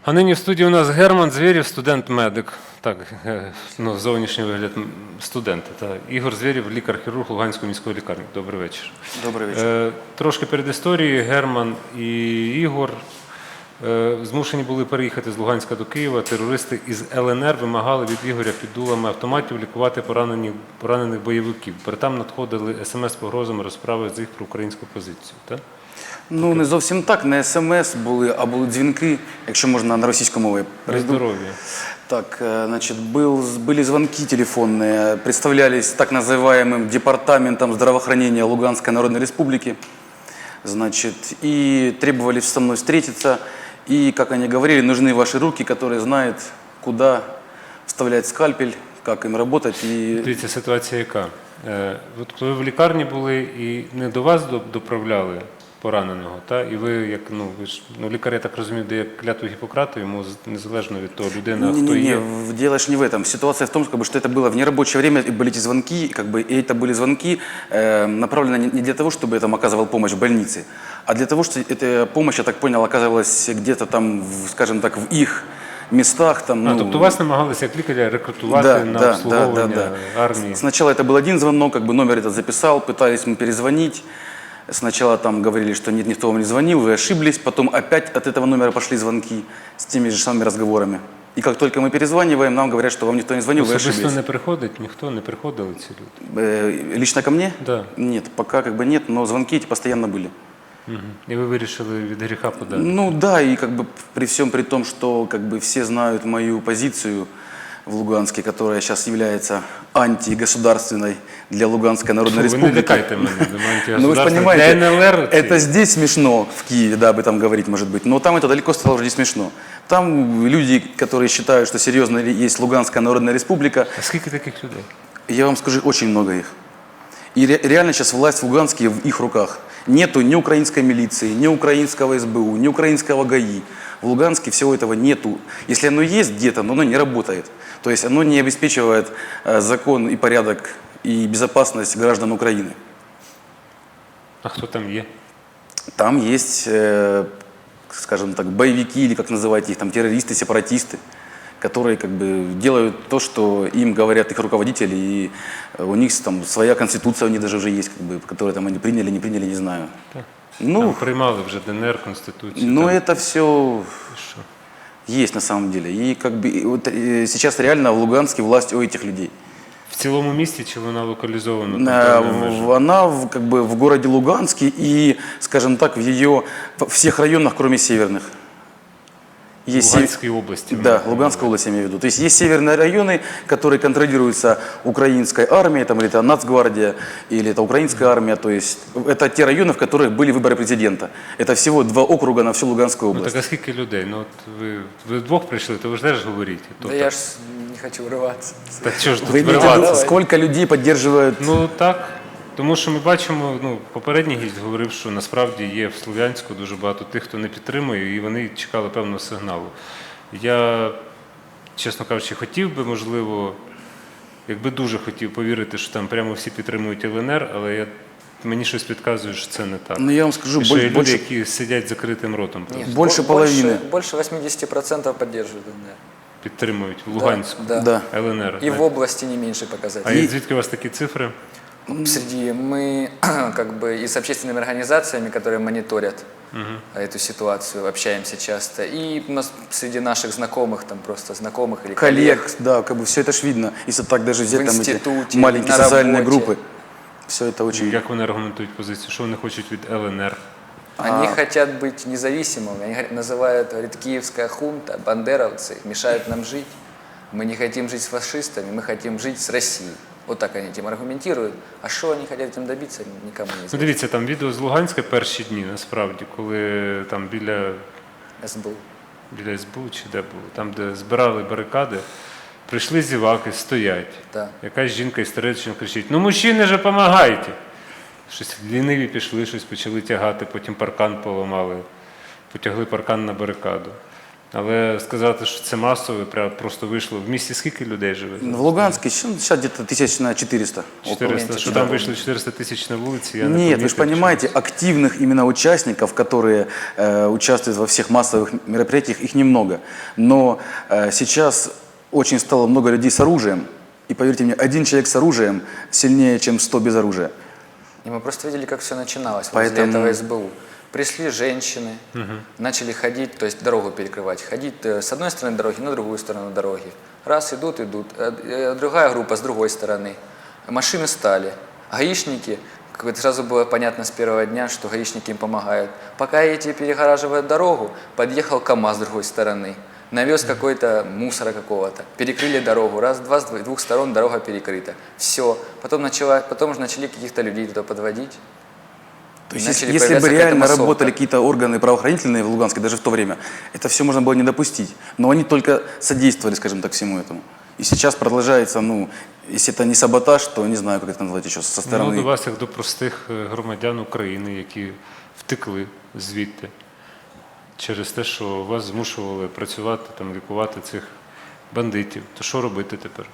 А нині в студії у нас Герман Звєрєв, студент-медик. Так, зовнішній вигляд студента. Та. Ігор Звєрєв, лікар-хірург Луганської міської лікарні. Добрий вечір. Добрий вечір. Трошки перед історією. Герман і Ігор змушені були переїхати з Луганська до Києва. Терористи із ЛНР вимагали від Ігоря під дулами автоматів лікувати поранених бойовиків. Перетам надходили смс з погрозами розправи з їх про українську позицію. Так? Ну, не зовсім так, не смс були, а були дзвінки, якщо можна на російській мові. При здоров'ї. Так, значит, были звонки телефонные, представлялись так называемым департаментом здравоохранения Луганской Народной Республики, значит, и требовали со мной встретиться, и, как они говорили, нужны ваши руки, которые знают, куда вставлять скальпель, как им работать. И... Дивіться, ситуація яка? От коли ви в лікарні були і не до вас доправляли пораненого, та? І ви, як ви ж лікар, я так розумію, дає клятву Гіппократа, йому незалежно від того, людина, хто є. Не, дело ж не в этом. Ситуация в том, что это было в нерабочее время, и были эти звонки, и это были звонки, направлены не для того, чтобы я там оказывал помощь в больнице, а для того, что эта помощь, я так понял, оказывалась где-то там, скажем так, в их местах. Там, тобто вас намагалися як лікаря рекрутувати на обслуговування армії? Сначала это был один звонок, номер этот записал, пытались мы перезвонить. Сначала там говорили, что нет, никто вам не звонил, вы ошиблись. Потом опять от этого номера пошли звонки с теми же самыми разговорами. И как только мы перезваниваем, нам говорят, что вам никто не звонил, вы ошиблись. Особисто не приходить, ніхто не приходили ці люди? Лично ко мне? Да. Нет, пока нет, но звонки эти постоянно были. И вы вирішили від гріха подати? Ну да, и при всем при том, что все знают мою позицию в Луганске, которая сейчас является антигосударственной для Луганской Народной Республики. Вы не лякайте меня, ну вы же понимаете, для НЛР, это здесь смешно, в Киеве, да, об этом говорить может быть, но там это далеко стало уже не смешно. Там люди, которые считают, что серьезно есть Луганская Народная Республика. А сколько таких людей? Я вам скажу, очень много их. И реально сейчас власть в Луганске в их руках. Нету ни украинской милиции, ни украинского СБУ, ни украинского ГАИ. В Луганске всего этого нету. Если оно есть где-то, но оно не работает. То есть оно не обеспечивает закон и порядок и безопасность граждан Украины. А кто там есть? Там есть, скажем так, боевики, или как называть их, там террористы, сепаратисты, которые делают то, что им говорят их руководители, и у них там своя конституция, у них даже уже есть, которую там они приняли, не приняли, не знаю. Так. Ну, там приймали вже ДНР, Конституцию. Ну, там... это все есть на самом деле. И сейчас реально в Луганске власть у этих людей. В цілому місті чи вона локалізована? Она в городе Луганске и, скажем так, во всех районах, кроме северных. Луганской области. Да, Луганской области я имею в виду. То есть есть северные районы, которые контролируются украинской армией, там, или это Нацгвардия, или это украинская армия. То есть это те районы, в которых были выборы президента. Это всего 2 округа на всю Луганскую область. Ну так а сколько людей? Ну, от ви вдвох прийшли, то ви ж теж говорите. Да я ж не хочу вриватися. Так що ж тут Вы имеете в виду, сколько людей поддерживают? Ну так. Тому що ми бачимо, попередній гість говорив, що насправді є в Слов'янську дуже багато тих, хто не підтримує, і вони чекали певного сигналу. Я, чесно кажучи, хотів би, можливо, якби дуже хотів повірити, що там прямо всі підтримують ЛНР, але мені щось підказує, що це не так. Ну я вам скажу, і що є люди, які сидять закритим ротом. Нет, больше половины. Больше 80% поддерживают ЛНР. Підтримують в Луганську, да. ЛНР. И в области не меньше показателей. А звідки у вас такі цифри? Мы и с общественными организациями, которые мониторят эту ситуацию, общаемся часто. И у нас среди наших знакомых, там просто знакомых или коллег. Да, все это ж видно. Если так даже взять там эти маленькие на социальные работе. группы. Все это очень... Як вони аргументують позицію? Що вони хочуть від ЛНР? Они хотят быть независимыми. Они говорят, киевская хунта, бандеровцы мешают нам жить. Мы не хотим жить с фашистами, мы хотим жить с Россией. Вот так они этим аргументируют. А що вони хочуть цим добитися, нікому не знає. Дивіться, там відео з Луганська перші дні, насправді, коли там біля СБУ чи де було, там, де збирали барикади, прийшли зіваки, стоять. Да. Якась жінка істерично кричить: "Ну, мужчини же, помагайте!" Щось ліниві пішли, щось почали тягати, потім паркан поламали, потягли паркан на барикаду. Але сказати, що це масово, просто вийшло. В місті скільки людей живе? В Луганске сейчас где-то 1400. 400. Що там вийшло 400 тисяч на вулиці, я не Нет, вы же помітив, понимаете, активных именно участников, которые участвуют во всех массовых мероприятиях, их немного. Но сейчас очень стало много людей с оружием. И поверьте мне, один человек с оружием сильнее, чем 100 без оружия. И мы просто видели, как все начиналось возле Поэтому- этого СБУ. Пришли женщины, начали ходить, то есть дорогу перекрывать, ходить с одной стороны дороги на другую сторону дороги. Раз идут, другая группа с другой стороны. Машины стали. Гаишники, как бы сразу было понятно с первого дня, что гаишники им помогают. Пока эти перегораживают дорогу, подъехал КАМАЗ с другой стороны. Навез какой-то мусора какого-то, перекрыли дорогу, раз, два, с двух сторон дорога перекрыта. Все. Потом уже начали каких-то людей туда подводить. То есть, Начали если бы появляться какая-то реально массовка. работали какие-то органы правоохранительные в Луганске, даже в то время, это все можно было не допустить. Но они только содействовали, скажем так, всему этому. И сейчас продолжается, ну, если это не саботаж, то не знаю, как это назвать еще, со Ну, до стороны. вас, як до простих громадян України, які втекли звідти через те, що вас змушували працювати, там, лікувати цих бандитів. То що робити тепер?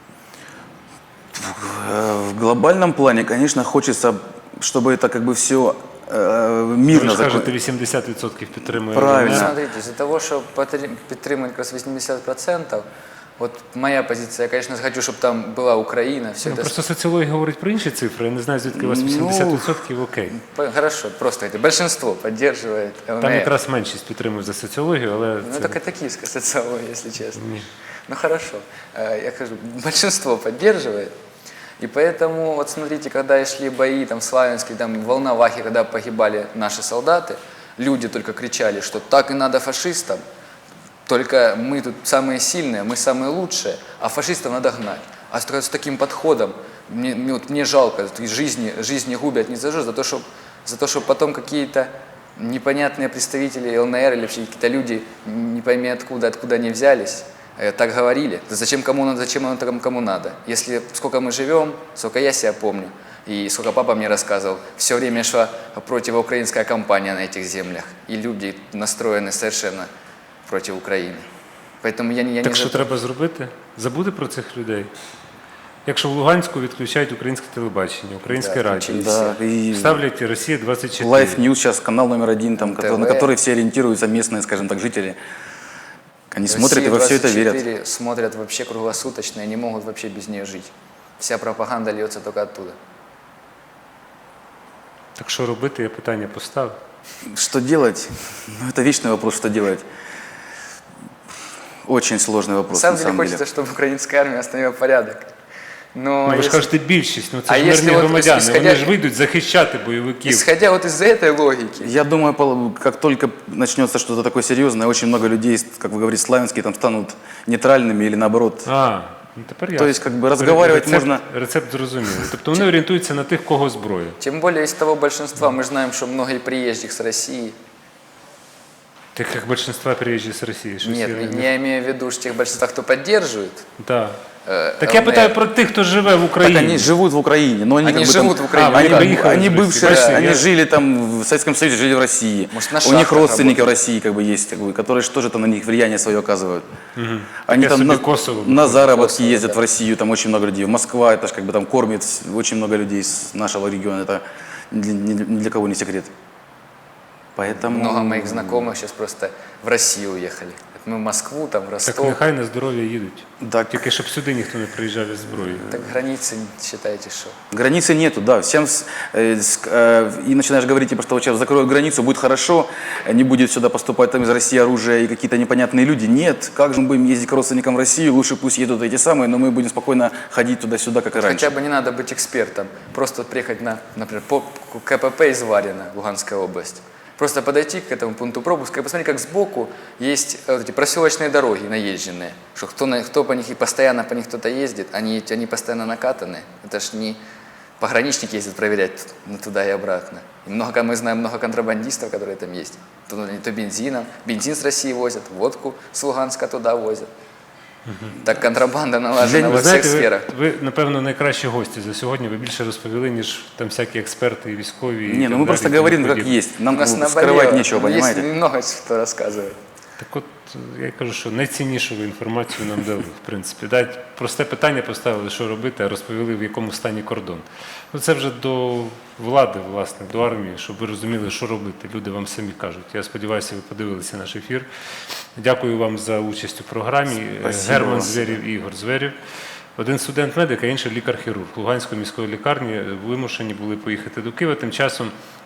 В глобальном плане, конечно, хочется, чтобы это как бы все Ви мирно ж кажете, закончилось. 80% підтримує. Правильно. ЛНР. Смотрите, из-за того, что подтримывать как раз 80%, вот моя позиция, я, конечно, хочу, чтобы там была Украина, все Ну, это... просто соціологія говорить про інші цифри. Я не знаю, звідки у вас 80% окей. Хорошо, просто говорите, большинство поддерживает ЛНР. Там якраз меншість підтримує за соціологію, але Ну, це... так это киевская социология, если честно. Ні. Ну, хорошо. Я скажу, большинство поддерживает. И поэтому, вот смотрите, когда шли бои там, в Славянске, там, в Волновахе, когда погибали наши солдаты, люди только кричали, что так и надо фашистам, только мы тут самые сильные, мы самые лучшие, а фашистов надо гнать. А с таким подходом, мне жалко, жизни губят не за что, за то, что потом какие-то непонятные представители ЛНР или вообще какие-то люди, не пойми откуда они взялись, так говорили. Да зачем кому надо, зачем оно там кому надо? Если сколько мы живем, сколько я себя помню, и сколько папа мне рассказывал, все время шла противоукраинская кампания на этих землях, и люди настроены совершенно против Украины. Поэтому я не Так що за то. треба зробити? Забути про цих людей? Якщо в Луганську відключають українське телебачення, українське Да, радіо, включили. Да, и ставлять Росія 24. Life News сейчас канал номер один, там, ТВ. на который все ориентируются местные, скажем так, жители. Они смотрят и во все это верят. Россия-24 смотрят вообще круглосуточно и не могут вообще без нее жить. Вся пропаганда льется только оттуда. Так що робити, я питання поставив. Что делать? Ну, это вечный вопрос, что делать. Очень сложный На вопрос, самом на деле самом хочется, деле. чтобы украинская армия остановила порядок. Но Ну, ви ж если- кажете більшість, ну це А ж якщо мирні от громадяни, исходя- вони ж вийдуть захищати бойовиків. исходя вот из этой логики, Я думаю, как только начнется что-то такое серьезное, очень много людей, как вы говорите, славянские, там станут нейтральными или наоборот. Ну тепер я. То есть, как бы, разговаривать можна- Рецепт зрозумілий. Тобто вони орієнтуються на тих, кого зброя. тем более из того большинства, мы же знаем, что много и приезжих с России. Так як більшинства приїжджі з Росії. Щось Нет, я я имею в виду что тех большинства, кто поддерживает. Да. Так я ЛНР. питаю про тих, хто живе в Так Україні. они живут в Украине, но они, Они как бы, живут там, в Украине, они Они, приехали они из России. бывшие, Бачите, они я- жили там в Советском Союзе, жили в России. Может, на У них шахтах родственники работают. в России как бы есть, как бы, которые же тоже там на них влияние свое оказывают. Они Таке там собі на, Косово. на заработки Косово, ездят да. в Россию, там очень много людей. В Москва, это же как бы там кормит очень много людей с нашего региона. Это ни для кого не секрет. Поэтому... Много моих знакомых сейчас просто в Россию уехали. Мы в Москву, там, в Так Ростов. нехай на здоров'я їдуть. Так, Тільки щоб сюди ніхто не приїжджав із зброєю. Так границы, считайте, что. границы нету, да. Всем и начинаешь говорить, типа, что вот сейчас закроют границу, будет хорошо, не будет сюда поступать там из России оружие и какие-то непонятные люди. Нет, как же мы будем ездить к родственникам в Россию, лучше пусть едут эти самые, но мы будем спокойно ходить туда-сюда, как и раньше. Хотя бы не надо быть экспертом. Просто вот приехать на, например, по КПП из Варина, Луганская область. Просто подойти к этому пункту пропуска и посмотреть, как сбоку есть вот эти проселочные дороги наезженные. Что кто по них и постоянно по них кто-то ездит, они постоянно накатаны. Это ж не пограничники ездят проверять туда и обратно. И мы знаем много контрабандистов, которые там есть. То бензином, бензин с России возят, водку с Луганска туда возят. Так контрабанда налажена Ви во всіх знаєте, сферах. ви, напевно, найкращі гості за сьогодні. Ви більше розповіли, ніж там всякі експерти і військові. і Не, так ну мы далі, просто і тому говорим, как подібне. есть. Нам У нас скрывать наболело. нечего, Есть понимаете? много что рассказывать. Так от я кажу, що найціннішу ви інформацію нам дали, в принципі. Просте питання поставили, що робити, а розповіли, в якому стані кордон. Ну, це вже до влади, власне, до армії, щоб ви розуміли, що робити. Люди вам самі кажуть. Я сподіваюся, ви подивилися наш ефір. Дякую вам за участь у програмі. Спасибо Герман вам. Зверєв і Ігор Зверєв. Один студент-медик, а інший лікар-хірург. Луганської міської лікарні вимушені були поїхати до Києва. Тим часом